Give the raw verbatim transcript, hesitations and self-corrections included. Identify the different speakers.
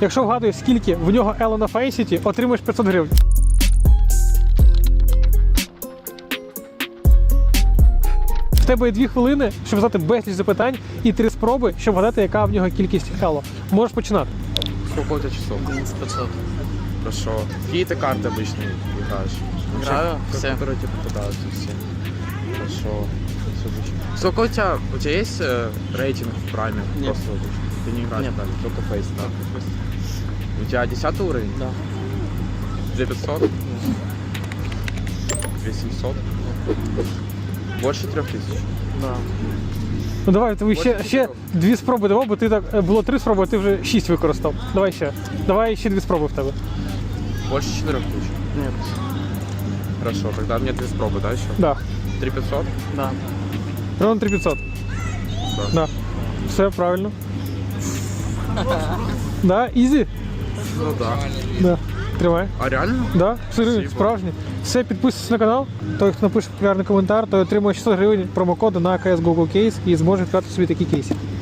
Speaker 1: Якщо вгадуєш, скільки в нього ело на фейсіті, отримаєш п'ятсот гривень. В тебе є дві хвилини, щоб задати безліч запитань, і три спроби, щоб вгадати, яка в нього кількість ело. Можеш починати.
Speaker 2: Сколько у тебя часов?
Speaker 3: одиннадцать пятьсот.
Speaker 2: Хорошо. Какие ты карты обычно играешь?
Speaker 3: Играю
Speaker 2: Вообще,
Speaker 3: все.
Speaker 2: Которые тебе попадаются все. Хорошо. Сколько у тебя, у тебя есть э, рейтинг в прайме?
Speaker 3: Нет.
Speaker 2: Просто вот, ты не играешь
Speaker 3: Нет.
Speaker 2: в прайме, только фейс, да? У тебя десятый уровень?
Speaker 3: Да.
Speaker 2: две пятьсот? две семьсот? Больше трех тысяч?
Speaker 3: Да.
Speaker 1: Ну давай, тобі ще,
Speaker 2: Ось
Speaker 1: ще
Speaker 2: чотири.
Speaker 1: дві спроби давав, бо ти так е, було три спроби, а ти вже шість використав. Давай ще. Давай ще дві спроби в тебе.
Speaker 2: Больше четырех тысяч?
Speaker 3: Нет.
Speaker 2: Хорошо, тогда мне две спробы, да, еще?
Speaker 1: Да.
Speaker 2: три пятьсот?
Speaker 3: Да.
Speaker 1: Ровно три п'ятсот.
Speaker 2: Да.
Speaker 1: Да. Все правильно. Да, ізі?
Speaker 2: Ну да.
Speaker 1: Да. Тримай.
Speaker 2: А реально?
Speaker 1: Да, сири,
Speaker 2: Спасибо.
Speaker 1: справжні. Все, підписуйтесь на канал. Той, хто напише популярний коментар, той отримує шістсот гривень промокоду на кей ес го го Case і зможе відкривати собі такі кейси.